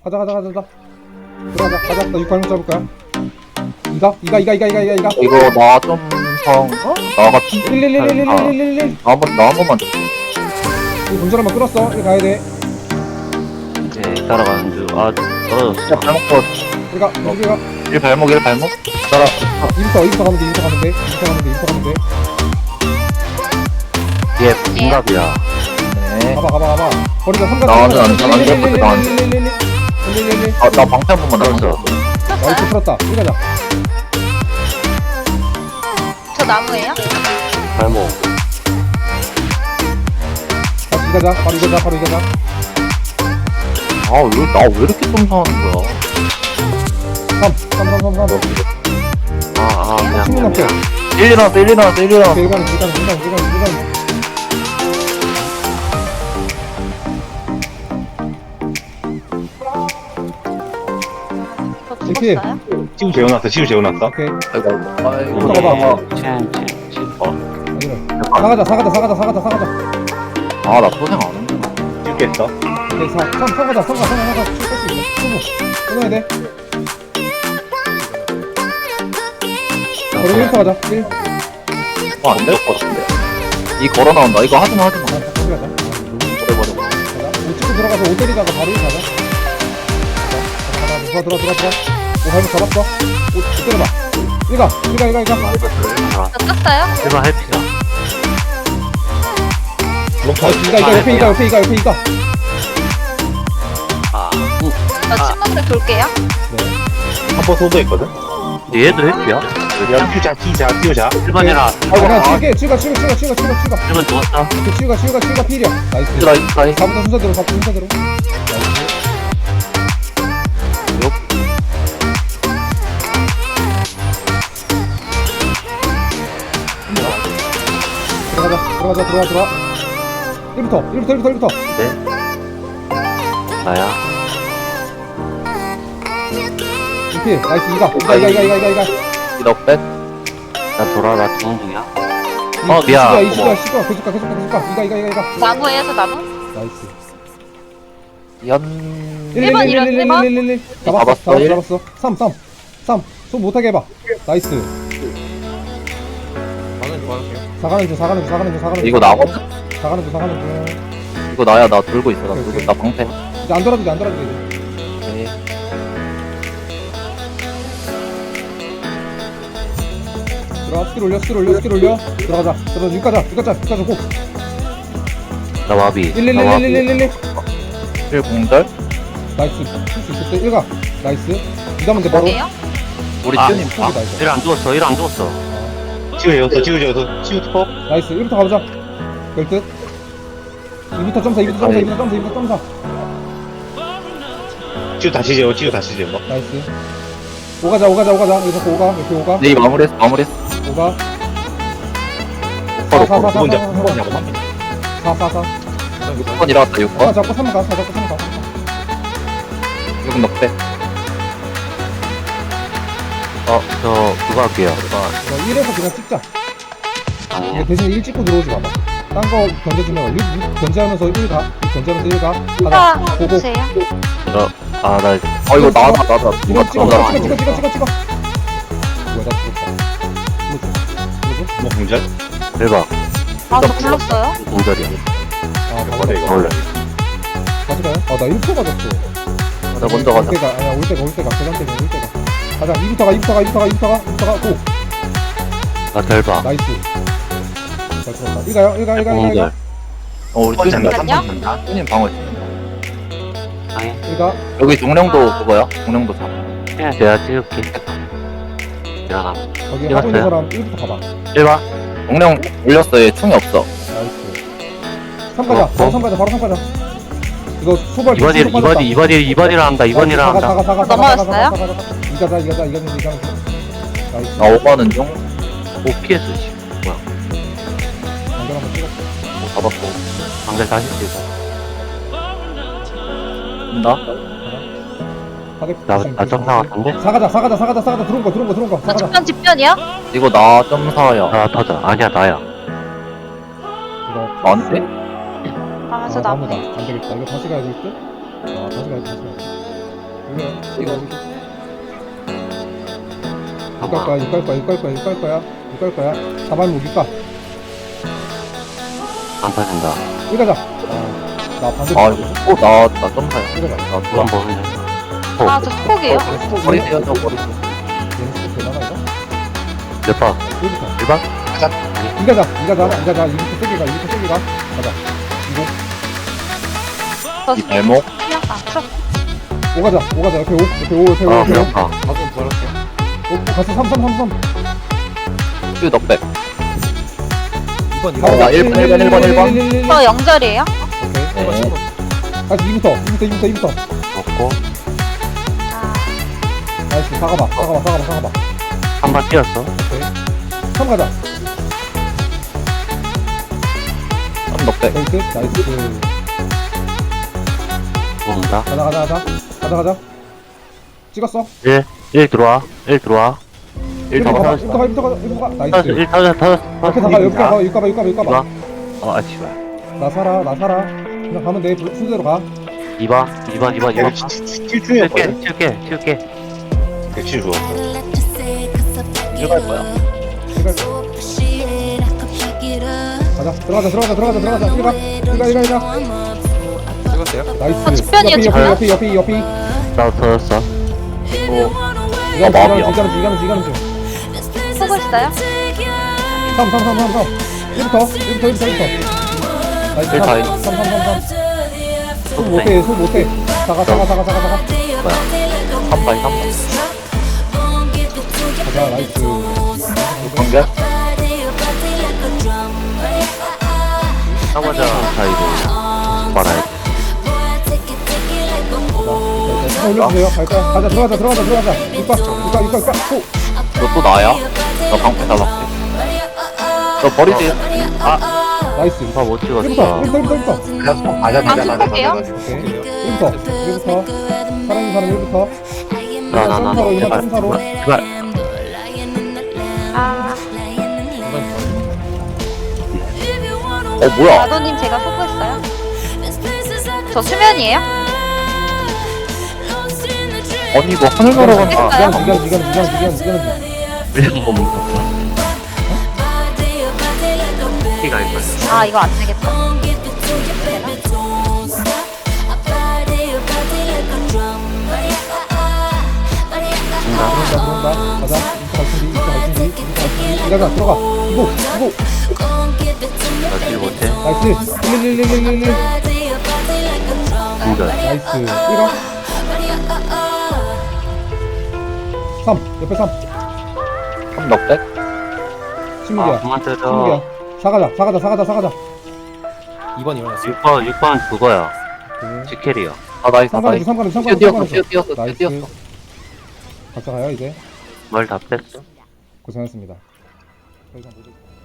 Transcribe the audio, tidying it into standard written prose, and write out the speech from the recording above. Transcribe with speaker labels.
Speaker 1: 가자. 들어가자. 가자. 나 6발목 잡을 거야. 이가.
Speaker 2: 이거 나 점성 나 같은데.
Speaker 1: 111.
Speaker 2: 나 한 번만 줘.
Speaker 1: 이거 동전 한번 끌었어. 이거 가야 돼.
Speaker 3: 이제 따라가는 중. 아, 떨어졌어.
Speaker 2: 진짜 발목 뻗.
Speaker 1: 우리가
Speaker 2: 1 발목. 따라.
Speaker 1: 2부터 가면 돼.
Speaker 3: 얘 분갑이야.
Speaker 2: 네.
Speaker 1: 가봐. 거리가 3가.
Speaker 2: 나는 안 돼.
Speaker 1: 111.
Speaker 2: 나 방패 한 번만
Speaker 3: 떨어졌어.
Speaker 2: 나왔어.
Speaker 1: 나이스 풀었다. 이거 가자.
Speaker 4: 저 나무예요?
Speaker 3: 발목.
Speaker 1: 바로 이거자.
Speaker 2: 나 왜 이렇게 점성하는 거야?
Speaker 1: 3.
Speaker 3: 그냥.
Speaker 1: 친구 남게.
Speaker 2: 1 나왔어.
Speaker 1: 일가는.
Speaker 4: 저
Speaker 1: 이렇게.
Speaker 4: 죽었어요?
Speaker 5: 치우 재워놨어.
Speaker 1: 오케이.
Speaker 2: 아이고.
Speaker 1: 이거 봐봐.
Speaker 3: 7.
Speaker 1: 사가자.
Speaker 2: 나 소생 안 한다.
Speaker 5: 찍겠어.
Speaker 1: 오케이, 3 가자. 칠수 있어. 끊어야 돼. 거리 1부터 가자. 1.
Speaker 2: 안될 것 같은데. 이 걸어 나온다. 이거 하지마.
Speaker 1: 거기 가자.
Speaker 2: 버려.
Speaker 1: 가자. 5 찍고 들어가서 5 때리다가 바로 1 가자. 가자. 들어와. 5 발목 잡았어. 5 때려봐. 1가.
Speaker 4: 저 떴어요?
Speaker 3: 1번 해피다.
Speaker 1: 옆에 이가.
Speaker 3: 아,
Speaker 4: 저 친구들 돌게요.
Speaker 5: 한번 소도했거든.
Speaker 3: 얘도 해피야?
Speaker 5: 야, 띄우자.
Speaker 3: 1번이라.
Speaker 1: 그냥 치우가.
Speaker 3: 1번 죽었어.
Speaker 1: 치우가 필이야. 나이스.
Speaker 2: 나이스.
Speaker 1: 4부터 순서대로. 나이스. 들어가. 1부터.
Speaker 3: 네. 나야.
Speaker 1: 이필. 나이스. 이가.
Speaker 2: 이거 백.
Speaker 3: 나 돌아, 나 죽는 중이야. 미안.
Speaker 1: 시가. 계속 가. 이가.
Speaker 4: 나무예요, 저 나무?
Speaker 1: 나이스.
Speaker 2: 연.
Speaker 1: 1
Speaker 2: 잡았어, 일.
Speaker 1: 잡았어. 3. 손 못하게 해봐. 나이스. 사가는 중.
Speaker 2: 이거 나거든?
Speaker 1: 사가는 중.
Speaker 2: 이거 나야. 나 돌고 있어.
Speaker 1: 오케이.
Speaker 2: 나 방패.
Speaker 1: 이제 안 돌아도 돼.
Speaker 2: 네.
Speaker 1: 들어가. 스킬 올려. 들어가자. 6가자. 고.
Speaker 3: 나 마비.
Speaker 1: 1.
Speaker 2: 1 공절.
Speaker 1: 나이스. 쓸수 있을 때 1가. 나이스. 이다면 돼 바로.
Speaker 4: 뭐예요?
Speaker 2: 우리
Speaker 3: 아,
Speaker 2: 튜님
Speaker 1: 아. 나이스.
Speaker 3: 1 안 죽었어.
Speaker 5: 치우 투포.
Speaker 1: 나이스. 1부터 가보자. 될 듯. 2부터 점사.
Speaker 5: 치우 다시 재워.
Speaker 1: 나이스. 오가자. 여기서 오가. 이렇게 오가.
Speaker 2: 네 마무리했어.
Speaker 1: 오가.
Speaker 2: 바로
Speaker 5: 6번 잡고
Speaker 1: 4.
Speaker 2: 6번 일어났다. 6번.
Speaker 1: 하나 잡고 3번 가. 3번 가.
Speaker 2: 6번 넉백.
Speaker 3: 그거 할게요.
Speaker 1: 1에서 그냥 찍자.
Speaker 3: 아니야.
Speaker 1: 근데 대신 1 찍고 들어오지 마봐. 딴 거 견제주면 6 견제하면서 1 가. 1 가.
Speaker 4: 이가
Speaker 1: 고고.
Speaker 4: 보세요.
Speaker 3: 나
Speaker 2: 이거 나다.
Speaker 1: 찍어.
Speaker 2: 누가
Speaker 1: 뭐야, 나 죽었다.
Speaker 5: 뭐 공절?
Speaker 3: 대박.
Speaker 4: 아, 저 굴렀어요?
Speaker 3: 공절이야.
Speaker 5: 버려, 이거.
Speaker 3: 원래.
Speaker 1: 가져가요? 나 1초 가졌어.
Speaker 2: 나 먼저 가자.
Speaker 1: 올 때가. 계단 때문에 올 때가. 가자. 2부터 가. 고.
Speaker 3: 나 대박.
Speaker 1: 나이스. 잘 들었다. 이가요.
Speaker 3: 공절.
Speaker 2: 우리 튜님
Speaker 4: 잠깐만요.
Speaker 2: 튜님 방어.
Speaker 3: 아니,
Speaker 1: 이가.
Speaker 2: 여기 종령도 그거야? 종령도 잡아.
Speaker 3: 그냥 내가 찍을게. 일어나.
Speaker 1: 거기 하고 있는 사람 1부터 가봐.
Speaker 3: 1번.
Speaker 2: 종령 올렸어. 얘 충이 없어.
Speaker 1: 나이스. 3 가자. 바로 3 가자. 이거 소발
Speaker 3: 2번이라 한다. 2번이라 한다.
Speaker 4: 넘어왔어요?
Speaker 1: 이가자. 나이스.
Speaker 2: 나 5번은 중.
Speaker 3: 오, PS, 씨. 뭐야.
Speaker 1: 안전 한번 찍었어.
Speaker 2: 잡았고.
Speaker 3: 방금 다시 찍어.
Speaker 2: 나?
Speaker 1: 나
Speaker 3: 점사 같은데?
Speaker 1: 사가자. 들어온 거.
Speaker 4: 저
Speaker 1: 사가자.
Speaker 4: 집변이요?
Speaker 2: 이거 나 점사야.
Speaker 3: 나 터져. 아니야, 나야.
Speaker 1: 이거.
Speaker 2: 나한테?
Speaker 4: 아, 저
Speaker 1: 나무다.
Speaker 4: 나무예요.
Speaker 1: 안 되겠다. 이거 다시 가야 될 듯? 다시 가야 돼. 이거 육갈 거야, 육갈 거야, 육갈 거야, 육갈 거야, 육갈 거야. 4만 무기까.
Speaker 3: 안 빠진다.
Speaker 1: 여기 가자. 나 반대.
Speaker 2: 아 이거 나 점사야.
Speaker 1: 여기 가자.
Speaker 2: 나
Speaker 3: 두번
Speaker 2: 돌아.
Speaker 3: 보는 중.
Speaker 4: 아, 저 스폭이에요?
Speaker 2: 버리세요 저 버리세요.
Speaker 1: 얘는 또 되나가 이거?
Speaker 3: 몇 번?
Speaker 1: 여기부터.
Speaker 3: 1번?
Speaker 1: 이 가자, 이 가자, 이 가자. 이부터 세게 가, 이부터 세게 가. 가자. 이거.
Speaker 4: 저
Speaker 2: 이 발목.
Speaker 4: 아, 풀었어.
Speaker 1: 오 가자, 오 가자. 옆에 오, 옆에 오, 옆에 오,
Speaker 3: 아,
Speaker 1: 옆에 오.
Speaker 3: 배고파.
Speaker 2: 가슴 부활할게.
Speaker 1: 오, 갔어. 3, 3, 3, 3.
Speaker 2: 큐 넉백.
Speaker 1: 2번,
Speaker 2: 나 1번.
Speaker 4: 저 영절이에요?
Speaker 1: 오케이.
Speaker 2: 네.
Speaker 1: 다시 2부터.
Speaker 3: 먹고.
Speaker 4: 아,
Speaker 1: 나이스. 사가봐.
Speaker 3: 3번 뛰었어.
Speaker 1: 오케이. 3 가자.
Speaker 2: 3 넉백.
Speaker 1: 나이스. 나이스.
Speaker 3: 모은다.
Speaker 1: 가자. 찍었어.
Speaker 3: 1 들어와. 1 들어와. 1
Speaker 1: 이부터
Speaker 3: 더
Speaker 1: 가자.
Speaker 3: 터졌어.
Speaker 1: 이부터 가. 나이스.
Speaker 3: 터졌어. 1 터졌어.
Speaker 1: 옆에 다가, 옆에 가. 육가봐.
Speaker 3: 이봐. 아, 씨발.
Speaker 1: 나 살아. 그냥 가면 돼. 순서대로 가.
Speaker 3: 2번.
Speaker 5: 칠중이었거든?
Speaker 3: 칠게.
Speaker 5: 백칠 주었어.
Speaker 2: 일갈 거야.
Speaker 1: 가자. 들어가자. 일가.
Speaker 2: 찍었어요?
Speaker 1: 나이스.
Speaker 4: 집변이요,
Speaker 1: 옆이.
Speaker 3: 나도 터졌어.
Speaker 1: 이가는 중.
Speaker 4: 보고 있어요?
Speaker 1: 3. 1부터. 나이스.
Speaker 3: 1 다이.
Speaker 1: 3. 소 못해. 사가.
Speaker 2: 3번.
Speaker 1: 가자. 나이스.
Speaker 2: 공격.
Speaker 3: 나머지 사이로 말아야 돼.
Speaker 1: 올려주세요. 갈까요? 가자. 들어가자. 육가. 호.
Speaker 2: 너 또 나야? 너 방패 달랐게. 너 버리세요.
Speaker 1: 나이스.
Speaker 3: 아, 못 찍었어.
Speaker 1: 1부터.
Speaker 5: 그냥
Speaker 4: 아,
Speaker 5: 맞아.
Speaker 4: 스폭이에요?
Speaker 1: 오케이. 1부터. 사랑하는 사람 1부터.
Speaker 3: 나. 제발.
Speaker 1: 점사로.
Speaker 3: 제발.
Speaker 4: 아,
Speaker 2: 뭐야?
Speaker 4: 나도님 제가 소구했어요? 저 수면이에요?
Speaker 2: 아니 이거 하늘 날아간다.
Speaker 4: 했어요?
Speaker 1: 이가는.
Speaker 3: 이런 거 묻었어. 피가 있어.
Speaker 4: 아, 이거 안 되겠다.
Speaker 1: 들어온다. 가자. 이부터 갈 준비. 가자. 들어가. 이거.
Speaker 3: 나질 못해.
Speaker 1: 나이스. 1.
Speaker 3: 공전.
Speaker 1: 나이스. 1가. 3. 옆에 3.
Speaker 2: 3 넉백.
Speaker 1: 16이야.
Speaker 3: 그만 때려.
Speaker 1: 16이야. 사가자.
Speaker 6: 2번 일어났어.
Speaker 3: 6번 그거야. 지켈이야.
Speaker 2: 아 나이스.
Speaker 1: 상관없어.
Speaker 2: 뛰었어.
Speaker 1: 나이스. 같이 가요 이제.
Speaker 3: 뭘 다 뺐어.
Speaker 1: 고생하셨습니다. 더 이상 못